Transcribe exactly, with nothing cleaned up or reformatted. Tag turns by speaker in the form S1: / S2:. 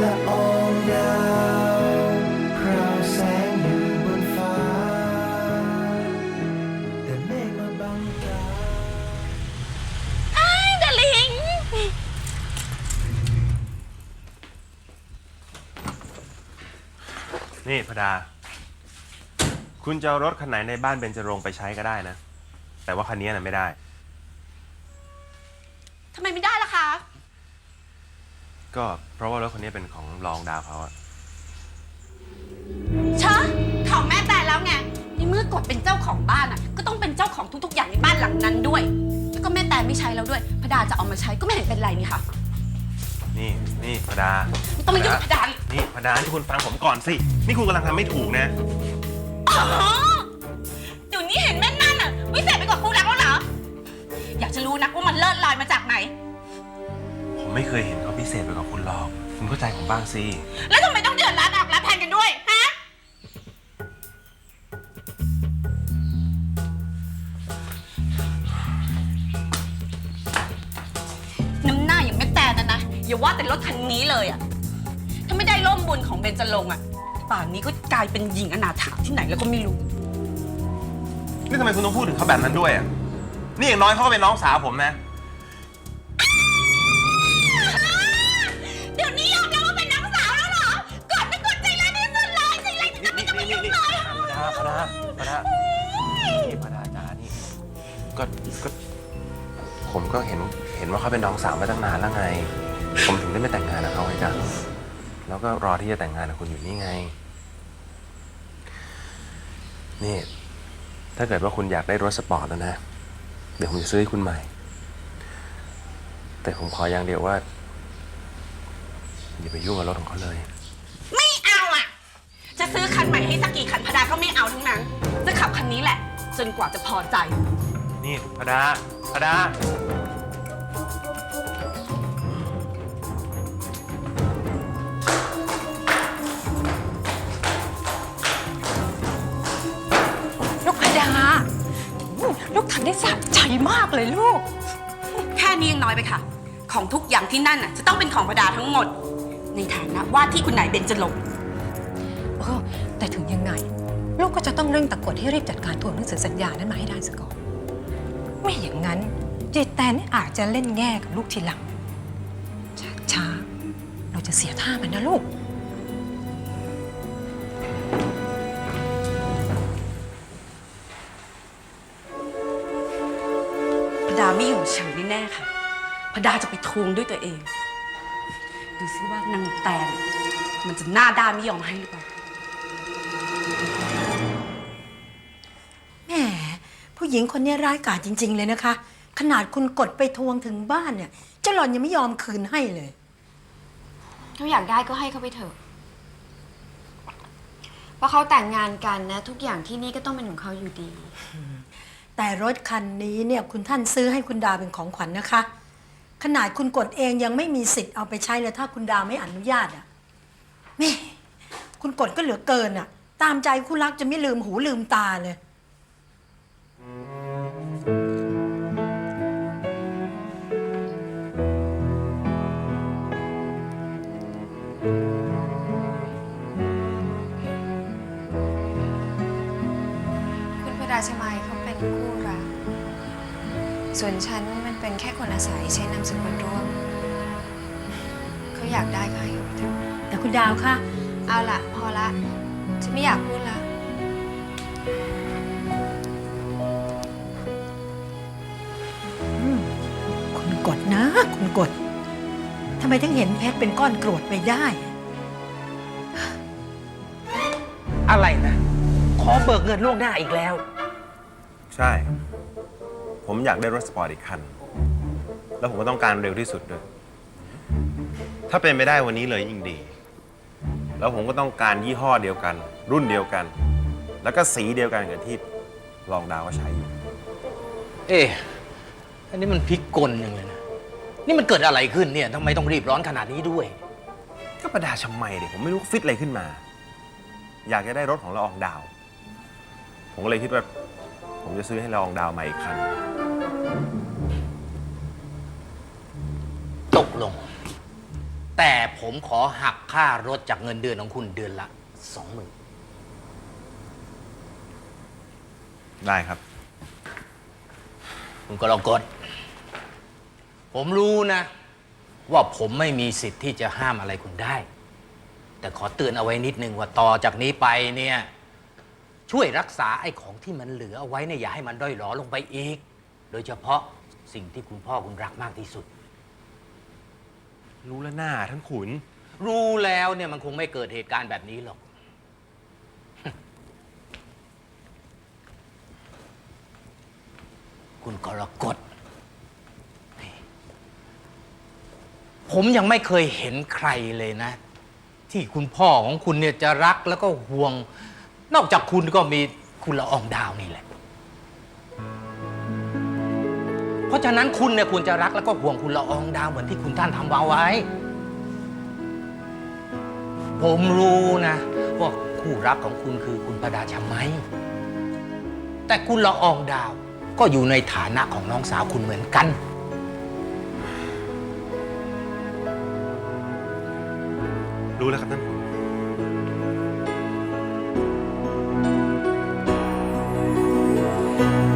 S1: ละอองดาวพราวแสงอยู่บนฟ้าแต่เมฆมาบังตา
S2: ไอ้ดาลิง
S3: นี่พดาคุณจะเอารถคันไหนในบ้านเบญจรงค์ไปใช้ก็ได้นะแต่ว่าคันนี้น่ะไม่ได้
S2: ทำไมไม่ได้ล่ะคะ
S3: ก็เพราะว่ารถคันนี้เป็นของรองดาวเขาอะ
S2: เชอะของแม่แต่แล้วไงในเมื่อกดเป็นเจ้าของบ้านอ่ะก็ต้องเป็นเจ้าของทุกๆอย่างในบ้านหลังนั้นด้วยแล้วก็แม่แต่ไม่ใช้แล้วด้วยพดาจะเอามาใช้ก็ไม่เห็นเป็นไรนี่ค่ะ
S3: นี่นี่พดา
S2: ไม่ต้องมายุ่งกับพดา
S3: นี่พดาที่คุณฟังผมก่อนสินี่คุณกำลังทำไม่ถูกนะ
S2: อ๋อเดี๋ยวนี้เห็นแม่นั่นอ่ะวิเศษไปกว่าครูรักแล้วเหรออยากจะรู้นักว่ามันเลิศลอยมาจากไหน
S3: ผมไม่เคยเห็นเขาพิเศษไปกว่าคุณหรอกคุณเข้าใจผมบ้างสิ
S2: แล้วทำไมต้องเดือดร้อนออกรับแทนกันด้วยฮะน้ำหน้าอย่างแม่แต่นั่นนะอย่าว่าแต่รถคันนี้เลยอ่ะถ้าไม่ได้ร่มบุญของเบญจรงค์อ่ะป่านนี้ก็กลายเป็นหญิงอนาถาที่ไหนแล้วก็ไม่รู้
S3: นี่ทำไมคุณต้องพูดถึงเขาแบบนั้นด้วยอ่ะนี่อย่างน้อยเขาก็เป็นน้องสาวผมนะ
S2: เดี๋ยวนี้ยอมแล้วว่าเป็นน้องสาวแล้วเหรอกอดไม่กดใจร้ายที่สุดเลยใจร้ายที่สุดไม่จะมายุ่งเลย
S3: พดาพดานี่พดาจ้านี่ก็ก็ผมก็เห็นเห็นว่าเขาเป็นน้องสาวมาตั้งนานแล้วไงผมถึงได้ไม่แต่งงานกับเขาไงจ้ะแล้วก็รอที่จะแต่งงานกับคุณอยู่นี่ไงนี่ถ้าเกิดว่าคุณอยากได้รถสปอร์ตแล้วนะเดี๋ยวผมจะซื้อให้คุณใหม่แต่ผมขออย่างเดียวว่าอย่าไปยุ่งกับรถของเขาเลย
S2: ไม่เอาอ่ะจะซื้อคันใหม่ให้สักกี่คันพดาก็ไม่เอาทั้งนั้นจะขับคันนี้แหละจนกว่าจะพอใจ
S3: นี่พดาพดา
S2: ลูกพดาลูกทำได้สะใจมากเลยลูกแค่นี้ยังน้อยไปค่ะของทุกอย่างที่นั่นน่ะจะต้องเป็นของพดาทั้งหมดในฐานะว่าที่คุณนายเบญจรงค์
S4: เออแต่ถึงยังไงลูกก็จะต้องเร่งตะกดให้รีบจัดการทวงหนังสือสัญญานั้นมาให้ได้ซะก่อนไม่อย่างนั้นเจแตนอาจจะเล่นแง่กับลูกทีหลังช้าๆเราจะเสียท่ามันนะลูก
S2: พดาไม่อยู่เฉยแน่ๆค่ะพดาจะไปทวงด้วยตัวเองดูซิว่านางแตนมันจะหน้าด้านไม่ยอมให้หรือเปล่า
S5: แหมผู้หญิงคนนี้ร้ายกาจจริงๆเลยนะคะขนาดคุณกดไปทวงถึงบ้านเนี่ยเจ้าหล่อนยังไม่ยอมคืนให้เลย
S6: เขาอยากได้ก็ให้เขาไปเถอะเพราะเขาแต่งงานกันนะทุกอย่างที่นี่ก็ต้องเป็นของเขาอยู่ดี
S5: แต่รถคันนี้เนี่ยคุณท่านซื้อให้คุณดาเป็นของขวัญ นะคะขนาดคุณกดเองยังไม่มีสิทธิ์เอาไปใช้เลยถ้าคุณดาไม่อนุญาตอ่ะแม่คุณกดก็เหลือเกินอ่ะตามใจคู่รักจะไม่ลืมหูลืมตาเลย
S6: คุณพดาชมัยเขาเป็นคู่รักส่วนฉันมันเป็นแค่คนอาศัยใช้นามสกุลร่วมเขาอยากได้ก็ให้เขาเถอะ
S5: แต่คุณดาวคะ
S6: เอาละพอละฉันไม่อยากพูดละ
S5: คุณกดนะคุณกดทำไมถึงเห็นเพชรเป็นก้อนกรวดไปได้
S7: อะไรนะขอเบิกเงินล่วงหน้าอีกแล้ว
S3: ใช่ผมอยากได้รถสปอร์ตอีกคันแล้วผมก็ต้องการเร็วที่สุดด้วยถ้าเป็นไม่ได้วันนี้เลยยิ่งดีแล้วผมก็ต้องการยี่ห้อเดียวกันรุ่นเดียวกันแล้วก็สีเดียวกันกับที่รองดาวก็ใช้อยู่
S7: เอ๊ะอันนี้มันพลิกกลอย่างเลยนะนี่มันเกิดอะไรขึ้นเนี่ยทำไมต้องรีบร้อนขนาดนี้ด้วย
S3: ก็ประดาชมัยดิผมไม่รู้ฟิตอะไรขึ้นมาอยากจะได้รถของละอองดาวผมก็เลยคิดว่าผมจะซื้อให้ละอองดาวใหม่อีกคัน
S7: ตกลงแต่ผมขอหักค่ารถจากเงินเดือนของคุณเดือนละสองหมื่น
S3: ได้ครับ
S7: คุณกรกฎผมรู้นะ ว่าผมไม่มีสิทธิ์ที่จะห้ามอะไรคุณได้ แต่ขอเตือนเอาไว้นิดนึงว่าต่อจากนี้ไปเนี่ย ช่วยรักษาไอ้ของที่มันเหลือเอาไว้เนี่ยอย่าให้มันด้อยหรอลงไปอีก โดยเฉพาะสิ่งที่คุณพ่อคุณรักมากที่สุด
S3: รู้แล้วหน้าท่านขุน
S7: รู้แล้วเนี่ยมันคงไม่เกิดเหตุการณ์แบบนี้หรอก คุณกรกฎผมยังไม่เคยเห็นใครเลยนะ ที่คุณพ่อของคุณเนี่ยจะรักแล้วก็ห่วง นอกจากคุณก็มีคุณละอองดาวนี่แหละ เพราะฉะนั้นคุณเนี่ยควรจะรักแล้วก็ห่วงคุณละอองดาวเหมือนที่คุณท่านทำเอาไว้ ผมรู้นะว่าคู่รักของคุณคือคุณประดาชมัย แต่คุณละอองดาวก็อยู่ในฐานะของน้องสาวคุณเหมือนกัน
S3: รู้แล้วครับท่านขุน